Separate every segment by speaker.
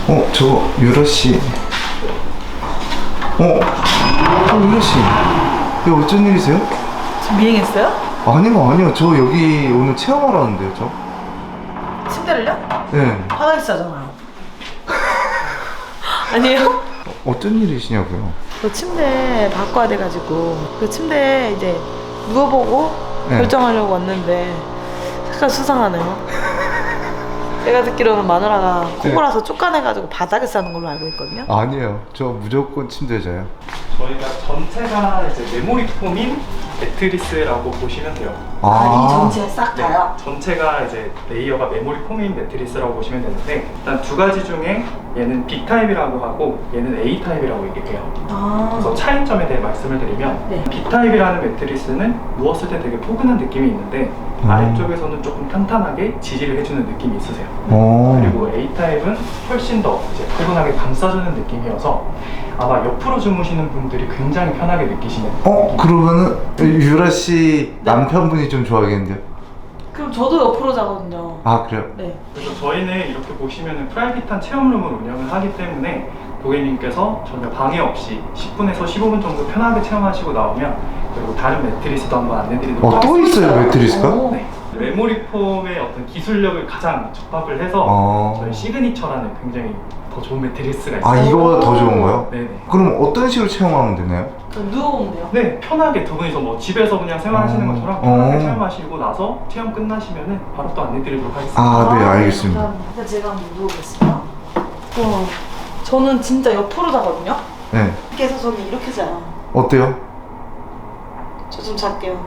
Speaker 1: 저 유라 씨. 유라 씨. 이거 어쩐 일이세요?
Speaker 2: 지금 미행했어요?
Speaker 1: 아니요. 저 여기 오늘 체험하러 왔는데요, 저.
Speaker 2: 침대를요?
Speaker 1: 네.
Speaker 2: 바닥에 싸잖아요. 아니에요?
Speaker 1: 어쩐 일이시냐고요?
Speaker 2: 저 침대 바꿔야 돼가지고 그 침대 이제 누워보고
Speaker 1: 네.
Speaker 2: 결정하려고 왔는데 약간 수상하네요. 제가 듣기로는 마누라가 코골아서 쫓겨내가지고 바닥에 싸는 걸로 알고 있거든요.
Speaker 1: 아니에요. 저 무조건 침대 자요.
Speaker 3: 저희가 전체가 이제 메모리 폼인 매트리스라고 보시면 돼요.
Speaker 2: 이 전체 싹
Speaker 3: 네,
Speaker 2: 다요?
Speaker 3: 전체가 이제 레이어가 메모리 폼인 매트리스라고 보시면 되는데 일단 두 가지 중에 얘는 B 타입이라고 하고 얘는 A 타입이라고 얘기해요. 그래서 차이점에 대해 말씀을 드리면
Speaker 2: 네.
Speaker 3: B 타입이라는 매트리스는 누웠을 때 되게 포근한 느낌이 있는데 아래쪽에서는 조금 탄탄하게 지지를 해주는 느낌이 있으세요. 그리고 A 타입은 훨씬 더 이제 포근하게 감싸주는 느낌이어서 아마 옆으로 주무시는 분들이 굉장히 편하게 느끼시는
Speaker 1: 그러면은 유라 씨 남편분이 좀 좋아하겠는데요?
Speaker 2: 그럼 저도 옆으로 자거든요.
Speaker 1: 아, 그래요?
Speaker 2: 네.
Speaker 3: 그래서 저희는 이렇게 보시면은 프라이빗한 체험룸을 운영을 하기 때문에 고객님께서 전혀 방해 없이 10분에서 15분 정도 편하게 체험하시고 나오면 그리고 다른 매트리스도 한번 안내드리도록
Speaker 1: 또 있어요, 매트리스가?
Speaker 3: 네. 메모리 폼의 어떤 기술력을 가장 접합을 해서 저희 시그니처라는 굉장히 더 좋은 매트리스가 있어요.
Speaker 1: 이거보다 더 좋은 거요?
Speaker 3: 네네.
Speaker 1: 그럼 어떤 식으로 체험하면 되나요?
Speaker 2: 그럼 누워보면 돼요?
Speaker 3: 네, 편하게 두 분이서 뭐 집에서 그냥 생활하시는 것처럼 편하게 체험하시고 나서 체험 끝나시면은 바로 또 안내드리도록 하겠습니다.
Speaker 1: 네, 알겠습니다.
Speaker 2: 감사합니다. 제가 한번 누워보겠습니다. 와, 저는 진짜 옆으로 자거든요?
Speaker 1: 네.
Speaker 2: 그래서 저는 이렇게 자요.
Speaker 1: 어때요?
Speaker 2: 저 좀 잘게요.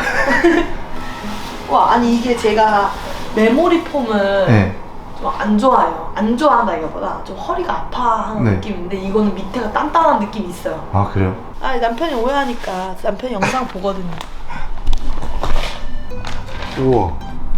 Speaker 2: 와, 아니 이게 제가 메모리 폼을
Speaker 1: 네.
Speaker 2: 좀 안 좋아해요. 안 좋아한다기보다 좀 허리가 아파하는
Speaker 1: 네.
Speaker 2: 느낌인데 이거는 밑에가 단단한 느낌이 있어요.
Speaker 1: 아, 그래요?
Speaker 2: 남편이 오해하니까 남편이 영상 보거든요.
Speaker 1: 우와.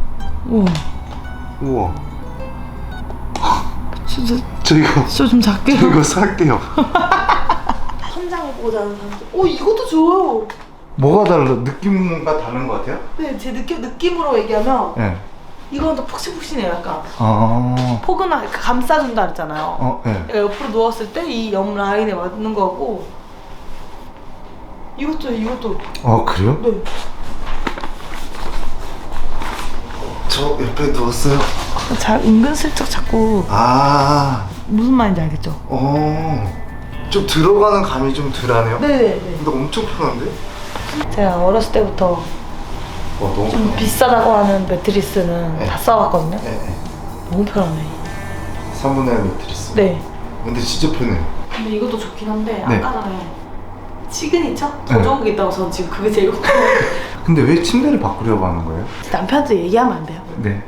Speaker 2: 진짜
Speaker 1: 저 이거
Speaker 2: 좀 작게요.
Speaker 1: 저 이거 살게요.
Speaker 2: 천장을 보고 자는 사람들. 이것도 좋아요.
Speaker 1: 뭐가 느낌과 다른 것 같아요?
Speaker 2: 네, 제 느낌으로 얘기하면
Speaker 1: 네.
Speaker 2: 이건 더 푹신푹신해요. 약간 포근하게 감싸준다 그랬잖아요.
Speaker 1: 네.
Speaker 2: 내가 옆으로 누웠을 때 이 옆 라인에 맞는 거고 이것도
Speaker 1: 그래요?
Speaker 2: 네.
Speaker 1: 저 옆에 누웠어요.
Speaker 2: 잘 은근슬쩍 자꾸 무슨 말인지 알겠죠?
Speaker 1: 좀 들어가는 감이 좀 덜하네요.
Speaker 2: 네네네.
Speaker 1: 근데 엄청 편한데?
Speaker 2: 제가 어렸을 때부터
Speaker 1: 너무
Speaker 2: 좀 비싸다고 하는 매트리스는
Speaker 1: 네.
Speaker 2: 다 써봤거든요.
Speaker 1: 네.
Speaker 2: 너무 편하네.
Speaker 1: 3분의 1 매트리스.
Speaker 2: 네.
Speaker 1: 근데 진짜 편해요.
Speaker 2: 근데 이것도 좋긴 한데
Speaker 1: 네.
Speaker 2: 아까 전에 시그니처? 더
Speaker 1: 네.
Speaker 2: 좋은 게 있다고 저는 지금 그게 제일 궁금해요.
Speaker 1: 근데 왜 침대를 바꾸려고 하는 거예요?
Speaker 2: 남편한테 얘기하면 안 돼요?
Speaker 1: 네.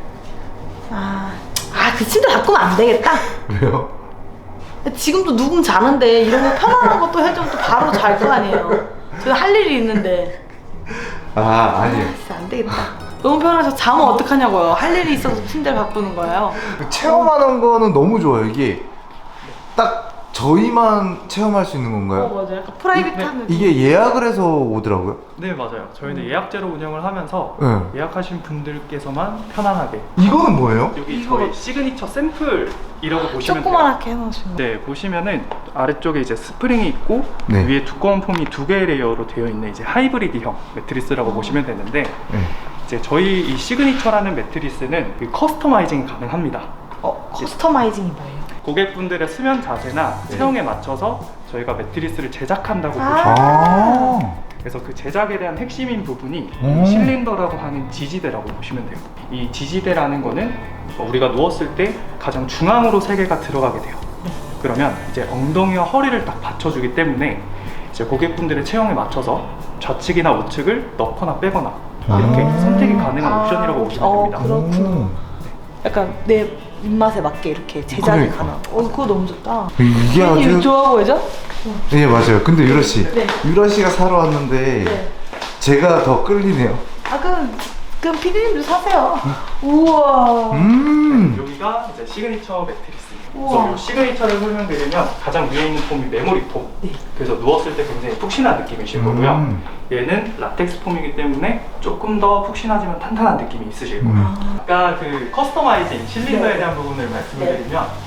Speaker 2: 그 침대 바꾸면 안 되겠다.
Speaker 1: 왜요?
Speaker 2: 지금도 누군 자는데 이런 거 편안한 것도 해주면 또 바로 잘 거 아니에요. 저는 할 일이 있는데.
Speaker 1: 아니에요.
Speaker 2: 진짜 안 되겠다. 너무 편해서 자면 어떡하냐고요. 할 일이 있어서 침대를 바꾸는 거예요.
Speaker 1: 체험하는 거는 너무 좋아요. 이게 딱 저희만 체험할 수 있는 건가요?
Speaker 2: 맞아요. 약간 프라이빗한 느낌.
Speaker 1: 이게 예약을 해서 오더라고요.
Speaker 3: 네, 맞아요. 저희는 예약제로 운영을 하면서
Speaker 1: 네.
Speaker 3: 예약하신 분들께서만 편안하게
Speaker 1: 이거는 뭐예요?
Speaker 3: 여기
Speaker 2: 이거
Speaker 3: 저희 시그니처 샘플이라고 보시면 돼요.
Speaker 2: 조그만하게 해놓으신 거.
Speaker 3: 네, 보시면은 아래쪽에 이제 스프링이 있고
Speaker 1: 네.
Speaker 3: 위에 두꺼운 폼이 두 개의 레이어로 되어 있는 이제 하이브리드형 매트리스라고 보시면 되는데
Speaker 1: 네.
Speaker 3: 이제 저희 이 시그니처라는 매트리스는 그 커스터마이징이 가능합니다.
Speaker 2: 커스터마이징이 뭐예요?
Speaker 3: 고객분들의 수면 자세나 체형에 맞춰서 저희가 매트리스를 제작한다고 보시면 돼요. 그래서 그 제작에 대한 핵심인 부분이 실린더라고 하는 지지대라고 보시면 돼요. 이 지지대라는 거는 우리가 누웠을 때 가장 중앙으로 세 개가 들어가게 돼요. 그러면 이제 엉덩이와 허리를 딱 받쳐주기 때문에 이제 고객분들의 체형에 맞춰서 좌측이나 우측을 넣거나 빼거나 이렇게 선택이 가능한 옵션이라고 보시면 됩니다.
Speaker 2: 그렇구나. 약간 내 입맛에 맞게 이렇게 제작이
Speaker 1: 그러니까.
Speaker 2: 가능. 그거 너무 좋다.
Speaker 1: 이게
Speaker 2: 이거
Speaker 1: 아주
Speaker 2: 좋아 보이죠?
Speaker 1: 네, 맞아요. 근데 유라 씨,
Speaker 2: 네.
Speaker 1: 유라 씨가 사러 왔는데
Speaker 2: 네.
Speaker 1: 제가 더 끌리네요.
Speaker 2: 그럼 피디님도 사세요. 우와.
Speaker 3: 여기가 이제 시그니처 매트리스입니다.
Speaker 2: 우와.
Speaker 3: 그래서 이 시그니처를 설명드리면 가장 위에 있는 폼이 메모리 폼.
Speaker 2: 네.
Speaker 3: 그래서 누웠을 때 굉장히 푹신한 느낌이실 거고요. 얘는 라텍스 폼이기 때문에 조금 더 푹신하지만 탄탄한 느낌이 있으실 거예요. 아까 그 커스터마이징 실린더에 대한 부분을 말씀을 드리면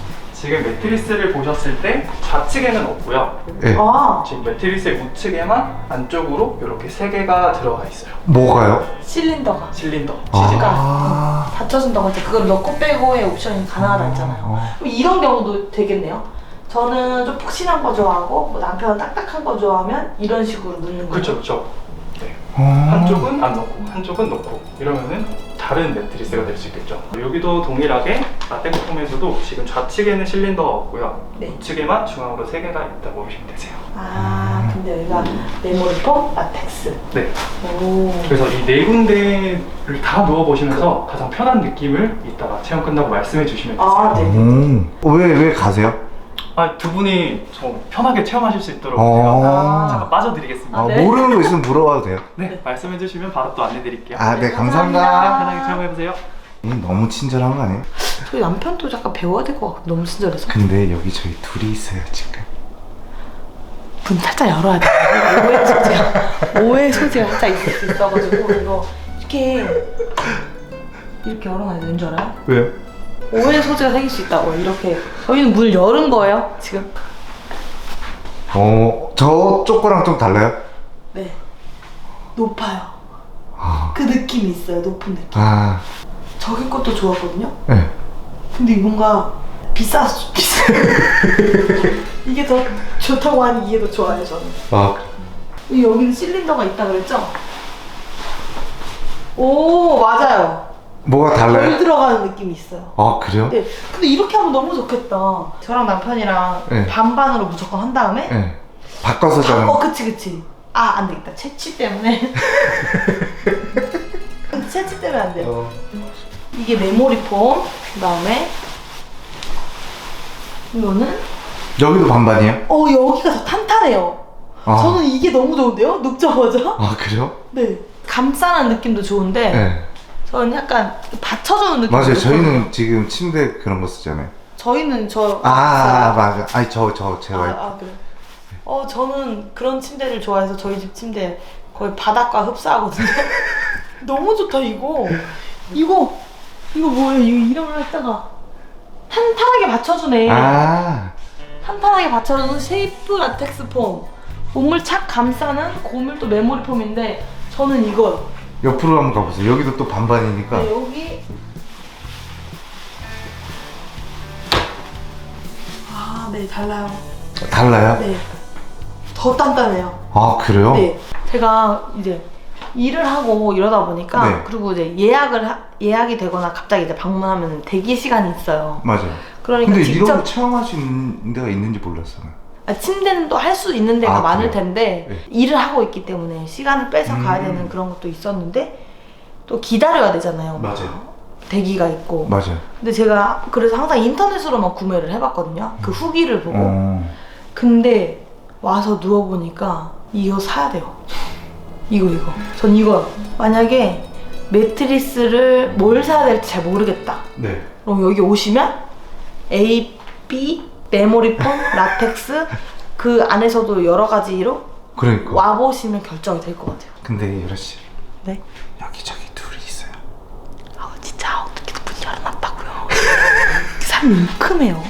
Speaker 3: 지금 매트리스를 보셨을 때 좌측에는 없고요.
Speaker 1: 네.
Speaker 2: 아,
Speaker 3: 지금 매트리스의 우측에만 안쪽으로 이렇게 3개가 들어가 있어요.
Speaker 1: 뭐가요?
Speaker 2: 실린더가.
Speaker 3: 실린더,
Speaker 2: 지지가
Speaker 1: 아.
Speaker 2: 받쳐준다고 할 때 그걸 넣고 빼고의 옵션이 가능하다 했잖아요. 그럼 이런 경우도 되겠네요. 저는 좀 푹신한 거 좋아하고 뭐 남편은 딱딱한 거 좋아하면 이런 식으로 넣는 거죠.
Speaker 3: 그렇죠, 그렇죠. 네.
Speaker 1: 아.
Speaker 3: 한쪽은 안 넣고 한쪽은 넣고 이러면은 다른 매트리스가 될 수 있겠죠. 여기도 동일하게 라텍스 폼에서도 지금 좌측에는 실린더가 없고요.
Speaker 2: 네.
Speaker 3: 우측에만 중앙으로 3개가 있다고 보시면 되세요.
Speaker 2: 아, 근데 여기가 메모리폼, 라텍스.
Speaker 3: 네.
Speaker 2: 오.
Speaker 3: 그래서 이 4군데를 다 누워보시면서 가장 편한 느낌을 이따가 체험 끝나고 말씀해 주시면 되세요.
Speaker 2: 아, 네.
Speaker 1: 왜 가세요?
Speaker 3: 두 분이 좀 편하게 체험하실 수 있도록
Speaker 1: 어.
Speaker 3: 제가 잠깐 빠져드리겠습니다.
Speaker 2: 아, 네.
Speaker 1: 모르는 거 있으면 물어봐도 돼요?
Speaker 3: 네, 말씀해 주시면 바로 또 안내 드릴게요.
Speaker 1: 아, 네, 감사합니다.
Speaker 2: 감사합니다.
Speaker 3: 편하게 체험해보세요.
Speaker 1: 너무 친절한 거 아니에요?
Speaker 2: 저희 남편도 잠깐 배워야 될 것 같아. 너무 친절해서.
Speaker 1: 근데 여기 저희 둘이 있어요, 지금.
Speaker 2: 문 살짝 열어야 돼. 오해 소지가 살짝 있을 수 있어가지고 이거 이렇게 열어놔야 되는 줄 알아요?
Speaker 1: 왜요?
Speaker 2: 오해 소지가 생길 수 있다고. 이렇게 저희는 문을 열은 거예요 지금.
Speaker 1: 저쪽 거랑 좀 달라요?
Speaker 2: 네, 높아요.
Speaker 1: 아.
Speaker 2: 그 느낌이 있어요. 높은 느낌.
Speaker 1: 아,
Speaker 2: 저기 것도 좋았거든요.
Speaker 1: 네.
Speaker 2: 근데 뭔가 비싸. 이게 더 좋다고 하니 이게 더 좋아요 저는.
Speaker 1: 아,
Speaker 2: 여기는 실린더가 있다 그랬죠? 오, 맞아요.
Speaker 1: 뭐가
Speaker 2: 덜
Speaker 1: 달라요?
Speaker 2: 들어가는 느낌이 있어요.
Speaker 1: 아, 그래요?
Speaker 2: 네. 근데 이렇게 하면 너무 좋겠다. 저랑 남편이랑
Speaker 1: 네.
Speaker 2: 반반으로 무조건 한 다음에
Speaker 1: 네. 바꿔서 자는.
Speaker 2: 그치. 아, 안 되겠다. 채취 때문에. 채취 때문에 안 돼요. 이게 메모리 폼. 그다음에 이거는
Speaker 1: 여기도 반반이에요?
Speaker 2: 여기가 더 탄탄해요.
Speaker 1: 아.
Speaker 2: 저는 이게 너무 좋은데요? 눕자마자?
Speaker 1: 아, 그래요?
Speaker 2: 네. 감싸는 느낌도 좋은데
Speaker 1: 네.
Speaker 2: 저는 약간 받쳐주는 느낌.
Speaker 1: 맞아요. 저희는 지금 침대 그런 거 쓰잖아요.
Speaker 2: 저희는
Speaker 1: 맞아. 아니, 제 와이프.
Speaker 2: 그래. 저는 그런 침대를 좋아해서 저희 집 침대 거의 바닥과 흡사하거든요. 너무 좋다 이거. 이거 뭐예요? 이거 이름을 했다가 탄탄하게 받쳐주네. 탄탄하게 받쳐주는 쉐이프 라텍스 폼. 몸을 착 감싸는 고밀도 메모리 폼인데 저는 이거요.
Speaker 1: 옆으로 한번 가보세요. 여기도 또 반반이니까.
Speaker 2: 네, 여기. 네, 달라요.
Speaker 1: 달라요?
Speaker 2: 네. 더 단단해요.
Speaker 1: 아, 그래요?
Speaker 2: 네. 제가 이제 일을 하고 이러다 보니까
Speaker 1: 네.
Speaker 2: 그리고 이제 예약이 되거나 갑자기 이제 방문하면 대기 시간이 있어요.
Speaker 1: 맞아요.
Speaker 2: 그러니까
Speaker 1: 근데
Speaker 2: 직접
Speaker 1: 이런 거 체험할 수 있는 데가 있는지 몰랐어요.
Speaker 2: 침대는 또 할 수 있는 데가 많을
Speaker 1: 그래요?
Speaker 2: 텐데
Speaker 1: 네.
Speaker 2: 일을 하고 있기 때문에 시간을 빼서 가야 되는 그런 것도 있었는데 또 기다려야 되잖아요.
Speaker 1: 맞아요.
Speaker 2: 대기가 있고.
Speaker 1: 맞아요.
Speaker 2: 근데 제가 그래서 항상 인터넷으로만 구매를 해봤거든요. 그 후기를 보고. 근데 와서 누워보니까 이거 사야 돼요. 이거. 전 이거. 만약에 매트리스를 뭘 사야 될지 잘 모르겠다.
Speaker 1: 네.
Speaker 2: 그럼 여기 오시면 A, B, 메모리폼, 라텍스 그 안에서도 여러 가지로
Speaker 1: 그러니까.
Speaker 2: 와보시면 결정이 될 것 같아요.
Speaker 1: 근데 유라 씨,
Speaker 2: 네?
Speaker 1: 여기 저기 둘이 있어요.
Speaker 2: 진짜 어떻게 문 열어놨다고요. 사람이 웅큼해요.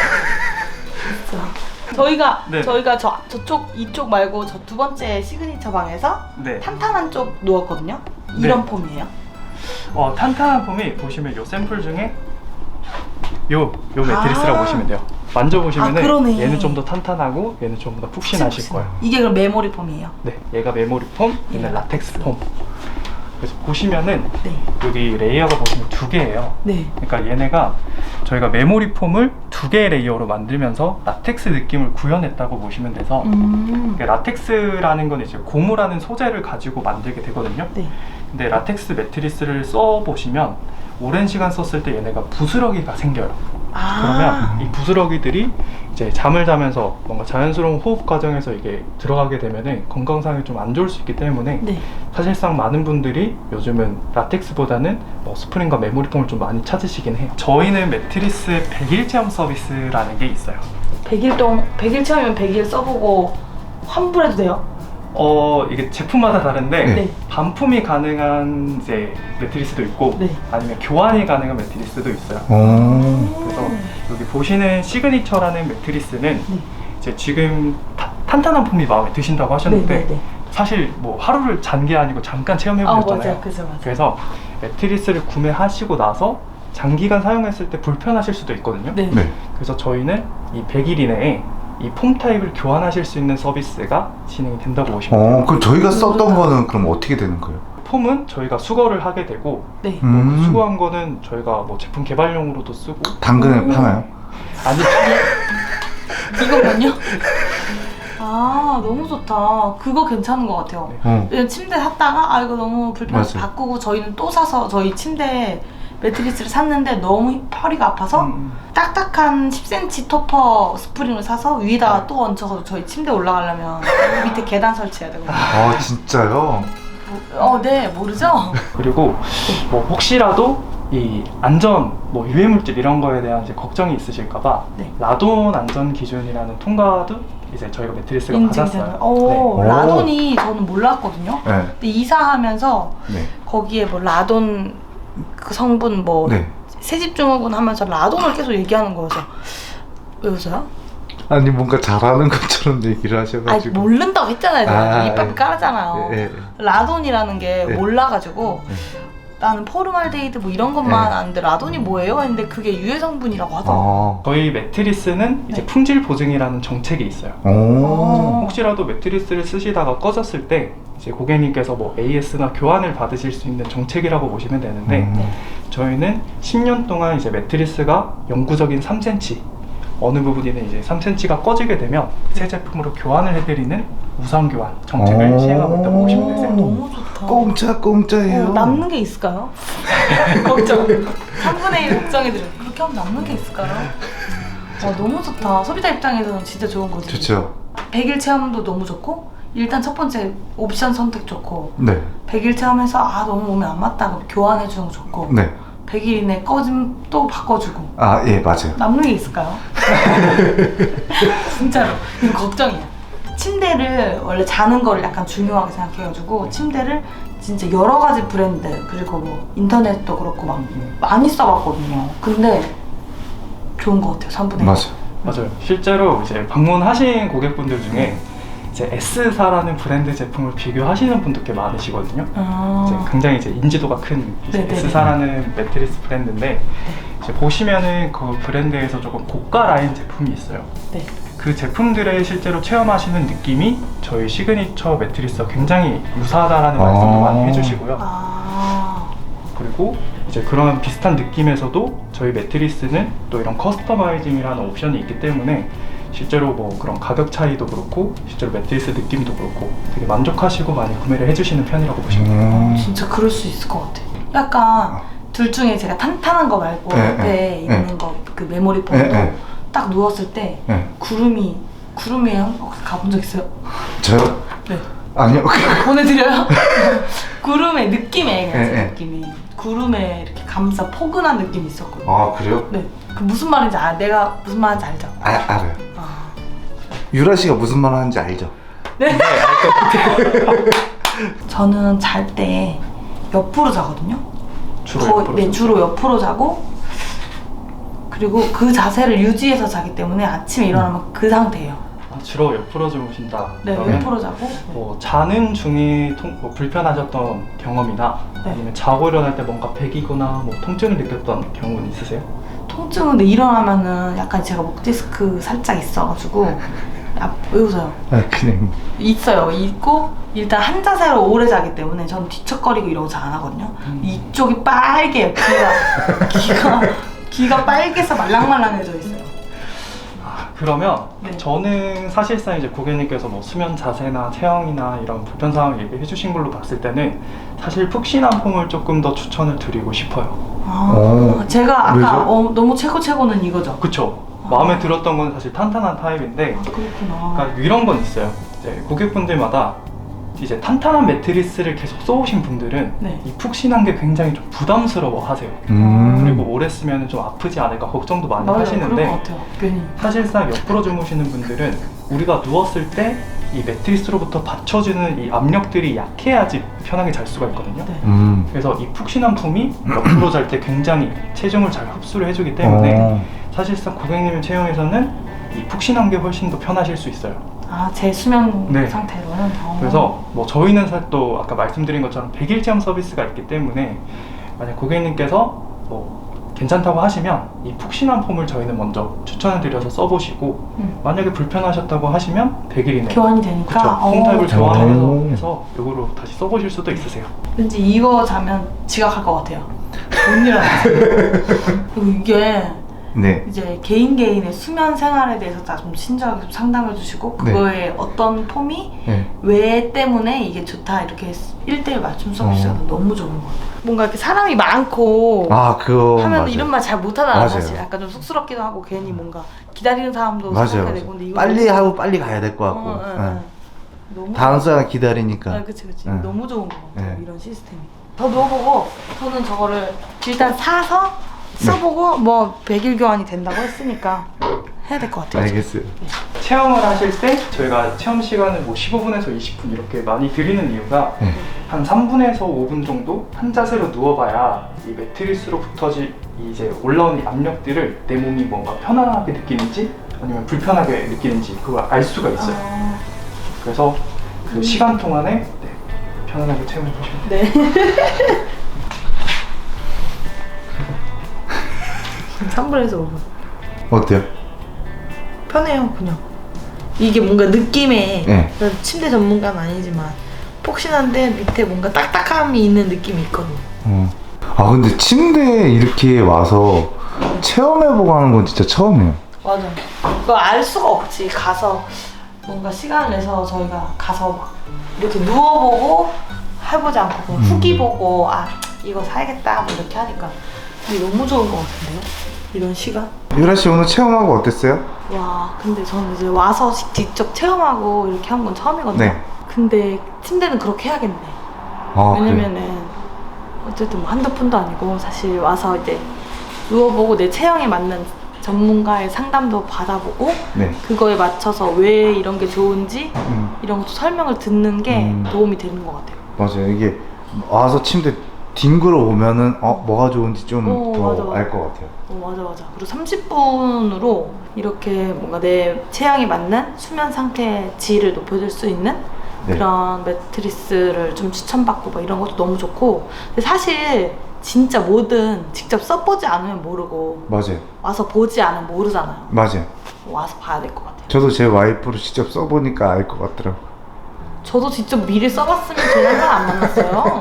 Speaker 2: 진짜. 저희가 저쪽 이쪽 말고 저 두 번째 시그니처 방에서
Speaker 3: 네.
Speaker 2: 탄탄한 쪽 누웠거든요. 이런 폼이에요.
Speaker 3: 탄탄한 폼이 보시면 요 샘플 중에 요 매트리스라고 보시면 돼요. 만져보시면은
Speaker 2: 그러네.
Speaker 3: 얘는 좀 더 탄탄하고 얘는 좀 더 푹신하실 거예요.
Speaker 2: 이게 그럼 메모리 폼이에요.
Speaker 3: 네, 얘가 메모리 폼, 얘는 라텍스 폼. 그래서 보시면은
Speaker 2: 네.
Speaker 3: 여기 레이어가 보시면 2개예요.
Speaker 2: 네.
Speaker 3: 그러니까 얘네가 저희가 메모리 폼을 2개의 레이어로 만들면서 라텍스 느낌을 구현했다고 보시면 돼서 그러니까 라텍스라는 건 이제 고무라는 소재를 가지고 만들게 되거든요.
Speaker 2: 네.
Speaker 3: 근데 라텍스 매트리스를 써보시면 오랜 시간 썼을 때 얘네가 부스러기가 생겨요. 그러면 이 부스러기들이 이제 잠을 자면서 뭔가 자연스러운 호흡 과정에서 이게 들어가게 되면은 건강상에 좀 안 좋을 수 있기 때문에
Speaker 2: 네.
Speaker 3: 사실상 많은 분들이 요즘은 라텍스보다는 스프링과 메모리폼을 좀 많이 찾으시긴 해요. 저희는 매트리스 100일 체험 서비스라는 게 있어요.
Speaker 2: 100일 체험이면 100일 써보고 환불해도 돼요?
Speaker 3: 이게 제품마다 다른데
Speaker 1: 네.
Speaker 2: 네.
Speaker 3: 반품이 가능한 이제 매트리스도 있고
Speaker 2: 네.
Speaker 3: 아니면 교환이 가능한 매트리스도 있어요. 그래서 여기 보시는 시그니처라는 매트리스는
Speaker 2: 네.
Speaker 3: 이제 지금 탄탄한 폼이 마음에 드신다고 하셨는데
Speaker 2: 네, 네, 네.
Speaker 3: 사실 뭐 하루를 잔 게 아니고 잠깐 체험해 보셨잖아요.
Speaker 2: 맞아요. 그죠, 맞아요.
Speaker 3: 그래서 매트리스를 구매하시고 나서 장기간 사용했을 때 불편하실 수도 있거든요.
Speaker 2: 네.
Speaker 1: 네.
Speaker 3: 그래서 저희는 이 100일 이내에 이 폼 타입을 교환하실 수 있는 서비스가 진행이 된다고 보시면 돼요.
Speaker 1: 그럼 저희가 썼던 거는 그럼 어떻게 되는 거예요?
Speaker 3: 폼은 저희가 수거를 하게 되고
Speaker 2: 네.
Speaker 3: 그 수거한 거는 저희가 뭐 제품 개발용으로도 쓰고
Speaker 1: 당근에 파나요?
Speaker 3: 아니
Speaker 2: 이거군요. 아, 너무 좋다. 그거 괜찮은 것 같아요. 왜냐면 침대 샀다가 이거 너무 불편해서
Speaker 1: 맞아요.
Speaker 2: 바꾸고 저희는 또 사서 저희 침대 매트리스를 샀는데 너무 허리가 아파서 딱딱한 10cm 토퍼 스프링을 사서 위에다가 또 얹혀서 저희 침대 올라가려면 밑에 계단 설치해야 되거든요.
Speaker 1: 아 진짜요?
Speaker 2: 네, 모르죠?
Speaker 3: 그리고 뭐 혹시라도 이 안전, 뭐 유해 물질 이런 거에 대한 이제 걱정이 있으실까봐
Speaker 2: 네.
Speaker 3: 라돈 안전 기준이라는 통과도 이제 저희가 매트리스가
Speaker 2: 인증되는.
Speaker 3: 받았어요.
Speaker 1: 네.
Speaker 2: 라돈이 저는 몰랐거든요.
Speaker 1: 네.
Speaker 2: 근데 이사하면서
Speaker 1: 네.
Speaker 2: 거기에 뭐 라돈 그 성분 뭐
Speaker 1: 네.
Speaker 2: 새집중후군 하면서 라돈을 계속 얘기하는 거여서 왜 웃어요?
Speaker 1: 아니 뭔가 잘하는 것처럼 얘기를 하셔가지고.
Speaker 2: 모른다고 했잖아요. 제가. 입밥
Speaker 1: 예.
Speaker 2: 깔았잖아요.
Speaker 1: 예, 예.
Speaker 2: 라돈이라는 게
Speaker 1: 네.
Speaker 2: 몰라가지고 나는 포르말데히드 뭐 이런 것만
Speaker 1: 네.
Speaker 2: 아는데 라돈이 뭐예요? 했는데 그게 유해 성분이라고 하더라고요.
Speaker 3: 저희 매트리스는 이제
Speaker 2: 네.
Speaker 3: 품질 보증이라는 정책이 있어요. 혹시라도 매트리스를 쓰시다가 꺼졌을 때 이제 고객님께서 뭐 AS나 교환을 받으실 수 있는 정책이라고 보시면 되는데 저희는 10년 동안 이제 매트리스가 영구적인 3cm 어느 부분이는 이제 3cm가 꺼지게 되면 새 제품으로 교환을 해드리는 우선 교환 정책을 시행하고 있다고 보시면 되세요.
Speaker 2: 너무 좋다.
Speaker 1: 공짜예요.
Speaker 2: 남는 게 있을까요? 걱정. 3분의 1 걱정해드려요. 그렇게 하면 남는 게 있을까요? 너무 좋다. 소비자 입장에서는 진짜 좋은 거지.
Speaker 1: 좋죠.
Speaker 2: 100일 체험도 너무 좋고 일단 첫 번째 옵션 선택 좋고
Speaker 1: 네.
Speaker 2: 100일 체험해서 너무 몸에 안 맞다 그럼 교환해주는 거 좋고
Speaker 1: 네.
Speaker 2: 100일 이내 꺼짐 또 바꿔주고
Speaker 1: 예 맞아요.
Speaker 2: 남는 게 있을까요? 진짜로 이거 걱정이야. 침대를 원래 자는 거를 약간 중요하게 생각해가지고 침대를 진짜 여러 가지 브랜드 그리고 뭐 인터넷도 그렇고 막 많이 써봤거든요. 근데 좋은 것 같아요. 3분의 1.
Speaker 3: 맞아요. 실제로 이제 방문하신 고객분들 중에 이제 S사라는 브랜드 제품을 비교하시는 분도 꽤 많으시거든요. 이제 굉장히 이제 인지도가 큰 이제
Speaker 2: 네네네.
Speaker 3: S사라는 매트리스 브랜드인데 이제 보시면은 그 브랜드에서 조금 고가 라인 제품이 있어요.
Speaker 2: 네.
Speaker 3: 그 제품들의 실제로 체험하시는 느낌이 저희 시그니처 매트리스와 굉장히 유사하다라는 말씀도 많이 해주시고요. 그리고 이제 그런 비슷한 느낌에서도 저희 매트리스는 또 이런 커스터마이징이라는 옵션이 있기 때문에 실제로 뭐 그런 가격 차이도 그렇고 실제로 매트리스 느낌도 그렇고 되게 만족하시고 많이 구매를 해주시는 편이라고 보시면 돼요.
Speaker 2: 진짜 그럴 수 있을 것 같아. 약간 둘 중에 제가 탄탄한 거 말고 옆에 있는 거 그 메모리 폼도 딱 누웠을 때 구름이 혹시 가본 적 있어요?
Speaker 1: 저요?
Speaker 2: 네.
Speaker 1: 아니요.
Speaker 2: 보내드려요? 구름의 느낌에
Speaker 1: 네.
Speaker 2: 느낌이 구름에 이렇게 감싸 포근한 느낌이 있었거든요.
Speaker 1: 아 그래요?
Speaker 2: 네. 그 무슨 말인지 내가 무슨 말인지 알죠?
Speaker 1: 알아요. 유라 씨가 무슨 말 하는지 알죠?
Speaker 2: 네. 저는 잘 때 옆으로 자거든요. 주로 옆으로 자고 그리고 그 자세를 유지해서 자기 때문에 아침에 일어나면 그 상태예요.
Speaker 3: 주로 옆으로 주무신다.
Speaker 2: 네,
Speaker 3: 그러면
Speaker 2: 옆으로 자고.
Speaker 3: 뭐 자는 중에 뭐 불편하셨던 경험이나 아니면 자고 일어날 때 뭔가 배기거나 뭐 통증을 느꼈던 경우는 있으세요?
Speaker 2: 통증은 근데 일어나면은 약간 제가 목 디스크 살짝 있어가지고 왜 웃어요?
Speaker 1: 그냥
Speaker 2: 있어요. 있고 일단 한 자세로 오래 자기 때문에 저는 뒤척거리고 이러고 잘 안 하거든요. 이쪽이 빨개요. 귀가 빨개서 말랑말랑해져 있어요.
Speaker 3: 그러면
Speaker 2: 네.
Speaker 3: 저는 사실상 이제 고객님께서 뭐 수면 자세나 체형이나 이런 불편 사항을 얘기해 주신 걸로 봤을 때는 사실 푹신한 폼을 조금 더 추천을 드리고 싶어요.
Speaker 2: 제가 아까
Speaker 1: 왜죠?
Speaker 2: 너무 최고는 이거죠.
Speaker 3: 그쵸? 마음에 들었던 건 사실 탄탄한 타입인데
Speaker 2: 그렇구나.
Speaker 3: 그러니까 이런 건 있어요. 이제 고객분들마다 이제 탄탄한 매트리스를 계속 써오신 분들은
Speaker 2: 네.
Speaker 3: 이 푹신한 게 굉장히 좀 부담스러워 하세요. 그리고 오래 쓰면 좀 아프지 않을까 걱정도 많이
Speaker 2: 맞아요.
Speaker 3: 하시는데
Speaker 2: 그런 것 같아요. 괜히.
Speaker 3: 사실상 옆으로 주무시는 분들은 우리가 누웠을 때 이 매트리스로부터 받쳐주는 이 압력들이 약해야지 편하게 잘 수가 있거든요.
Speaker 2: 네.
Speaker 3: 그래서 이 푹신한 품이 옆으로 잘 때 굉장히 체중을 잘 흡수를 해주기 때문에 사실상 고객님 체형에서는 이 푹신한 게 훨씬 더 편하실 수 있어요.
Speaker 2: 아, 제 수면
Speaker 3: 네.
Speaker 2: 상태로는.
Speaker 3: 그래서 뭐 저희는 또 아까 말씀드린 것처럼 100일 체험 서비스가 있기 때문에 만약 고객님께서 뭐 괜찮다고 하시면 이 푹신한 폼을 저희는 먼저 추천을 드려서 써보시고 만약에 불편하셨다고 하시면 100일 이내
Speaker 2: 교환이 되니까.
Speaker 3: 그쵸, 홈타입을
Speaker 1: 오.
Speaker 3: 교환을 해서 이거로 다시 써보실 수도 있으세요.
Speaker 2: 왠지 이거 자면 지각할 것 같아요. 못 일어나요. 그리고 이게
Speaker 1: 네.
Speaker 2: 이제 개인의 수면 생활에 대해서 다 좀 친절하게 좀 상담해 주시고 그거에 어떤 폼이
Speaker 1: 네.
Speaker 2: 왜 때문에 이게 좋다 이렇게 1대1 맞춤 서비스가 너무 좋은 것 같아요. 뭔가 이렇게 사람이 많고
Speaker 1: 아, 그거
Speaker 2: 하면
Speaker 1: 맞아요.
Speaker 2: 이런 말 잘 못하잖아요.
Speaker 1: 맞아요.
Speaker 2: 사실 약간 좀 쑥스럽기도 하고 괜히 뭔가 기다리는 사람도
Speaker 1: 맞아요.
Speaker 2: 생각해야 되고 근데 이거
Speaker 1: 빨리 하고 빨리 가야 될 것 같고.
Speaker 2: 너무
Speaker 1: 다음 사람 기다리니까.
Speaker 2: 아, 그치.
Speaker 1: 네.
Speaker 2: 너무 좋은 것 같아요.
Speaker 1: 네.
Speaker 2: 이런 시스템이. 저 누워보고 저는 저거를 일단 사서 써보고 뭐 100일 교환이 된다고 했으니까 해야 될 것 같아요.
Speaker 1: 알겠어요.
Speaker 3: 체험을 하실 때 저희가 체험 시간을 뭐 15분에서 20분 이렇게 많이 드리는 이유가 한 3분에서 5분 정도 한 자세로 누워봐야 이 매트리스로부터 이제 올라온 이 압력들을 내 몸이 뭔가 편안하게 느끼는지 아니면 불편하게 느끼는지 그걸 알 수가 있어요. 그래서 그 시간 동안에 편안하게 체험해 보시면 돼요.
Speaker 2: 네. 3분에서 5분.
Speaker 1: 어때요?
Speaker 2: 편해요, 그냥. 이게 뭔가 느낌에
Speaker 1: 네.
Speaker 2: 침대 전문가는 아니지만 폭신한데 밑에 뭔가 딱딱함이 있는 느낌이 있거든요.
Speaker 1: 아, 근데 침대에 이렇게 와서 체험해보고 하는 건 진짜 처음이에요.
Speaker 2: 맞아. 그거 알 수가 없지. 가서 뭔가 시간을 내서 저희가 가서 막 이렇게 누워보고 해보지 않고 그냥 후기 보고 아 이거 사야겠다 뭐 이렇게 하니까 이게 너무 좋은 것 같은데요? 이런 시간?
Speaker 1: 유라 씨 오늘 체험하고 어땠어요?
Speaker 2: 와 근데 저는 이제 와서 직접 체험하고 이렇게 한 건 처음이거든요.
Speaker 1: 네.
Speaker 2: 근데 침대는 그렇게 해야겠네.
Speaker 1: 아,
Speaker 2: 왜냐면은 어쨌든 뭐 한두 푼도 아니고 사실 와서 이제 누워보고 내 체형에 맞는 전문가의 상담도 받아보고
Speaker 1: 네.
Speaker 2: 그거에 맞춰서 왜 이런 게 좋은지 이런 것도 설명을 듣는 게 도움이 되는 것 같아요.
Speaker 1: 맞아요. 이게 와서 침대 뒹굴어 보면은 뭐가 좋은지 좀 더 알 것 같아요.
Speaker 2: 맞아. 그리고 30분으로 이렇게 뭔가 내 체형에 맞는 수면 상태 질을 높여줄 수 있는
Speaker 1: 네.
Speaker 2: 그런 매트리스를 좀 추천받고 막 이런 것도 너무 좋고 근데 사실 진짜 뭐든 직접 써보지 않으면 모르고
Speaker 1: 맞아요.
Speaker 2: 와서 보지 않으면 모르잖아요.
Speaker 1: 맞아요.
Speaker 2: 와서 봐야 될 것 같아요.
Speaker 1: 저도 제 와이프를 직접 써보니까 알 것 같더라고요.
Speaker 2: 저도 직접 미리 써봤으면 저런 사람 안 만났어요.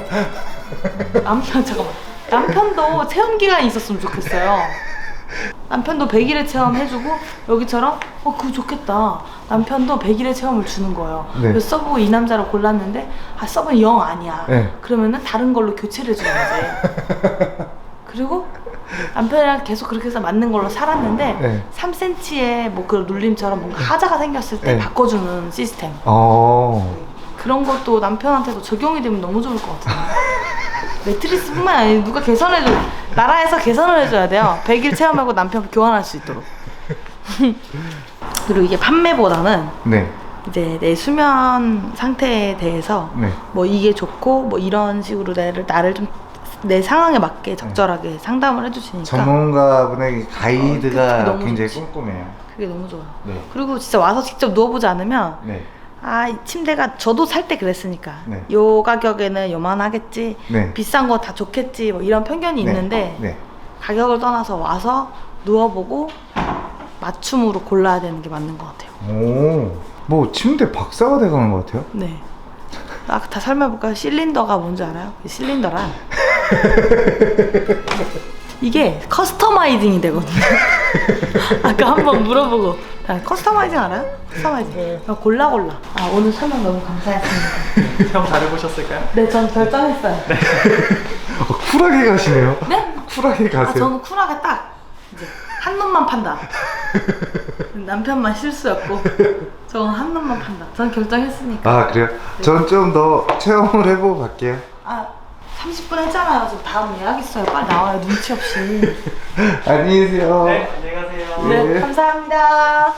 Speaker 2: 남편도 체험 기간이 있었으면 좋겠어요. 남편도 100일의 체험 해주고 여기처럼 그거 좋겠다. 남편도 100일의 체험을 주는 거예요.
Speaker 1: 네.
Speaker 2: 그래서 써보고 이 남자를 골랐는데 써보면 영 아니야.
Speaker 1: 네.
Speaker 2: 그러면은 다른 걸로 교체를 해주는 거지. 그리고 남편이랑 계속 그렇게 해서 맞는 걸로 살았는데
Speaker 1: 네.
Speaker 2: 3cm의 뭐 그런 눌림처럼 뭔가 하자가 생겼을 때
Speaker 1: 네.
Speaker 2: 바꿔주는 시스템. 그런 것도 남편한테도 적용이 되면 너무 좋을 것 같아요. 매트리스뿐만 아니라 누가 개선해줘 나라에서 개선을 해줘야 돼요. 100일 체험하고 남편 교환할 수 있도록. 그리고 이게 판매보다는
Speaker 1: 네.
Speaker 2: 이제 내 수면 상태에 대해서
Speaker 1: 네.
Speaker 2: 뭐 이게 좋고 뭐 이런 식으로 나를 좀 내 상황에 맞게 적절하게 상담을 해주시니까
Speaker 1: 전문가분의 가이드가
Speaker 2: 그게 너무
Speaker 1: 굉장히
Speaker 2: 좋지.
Speaker 1: 꼼꼼해요.
Speaker 2: 그게 너무 좋아요.
Speaker 1: 네.
Speaker 2: 그리고 진짜 와서 직접 누워보지 않으면
Speaker 1: 네.
Speaker 2: 이 침대가 저도 살 때 그랬으니까
Speaker 1: 네.
Speaker 2: 요 가격에는 요만하겠지
Speaker 1: 네.
Speaker 2: 비싼 거 다 좋겠지 뭐 이런 편견이
Speaker 1: 네.
Speaker 2: 있는데
Speaker 1: 네.
Speaker 2: 가격을 떠나서 와서 누워보고 맞춤으로 골라야 되는 게 맞는 것 같아요.
Speaker 1: 뭐 침대 박사가 돼가는 것 같아요.
Speaker 2: 네. 다 설명해볼까요? 실린더가 뭔지 알아요? 실린더란 이게 커스터마이징이 되거든요. 아까 한번 물어보고 커스터마이징 알아요? 커스터마이징 골라 오늘 설명 너무 감사했습니다.
Speaker 3: 체험 잘 해보셨을까요?
Speaker 2: 네, 전 결정했어요. 네?
Speaker 1: 쿨하게 가시네요. 쿨하게 가세요.
Speaker 2: 저는 쿨하게 딱 이제 한 놈만 판다. 남편만 실수였고 저건 한 놈만 판다. 전 결정했으니까.
Speaker 1: 아 그래요? 전 좀 더 체험을 해보고 갈게요.
Speaker 2: 아 30분 했잖아요. 저 다음 예약 있어요. 빨리 나와요. 눈치 없이.
Speaker 1: 안녕히 계세요.
Speaker 3: 네, 안녕히 가세요.
Speaker 2: 네,
Speaker 1: 네.
Speaker 2: 감사합니다.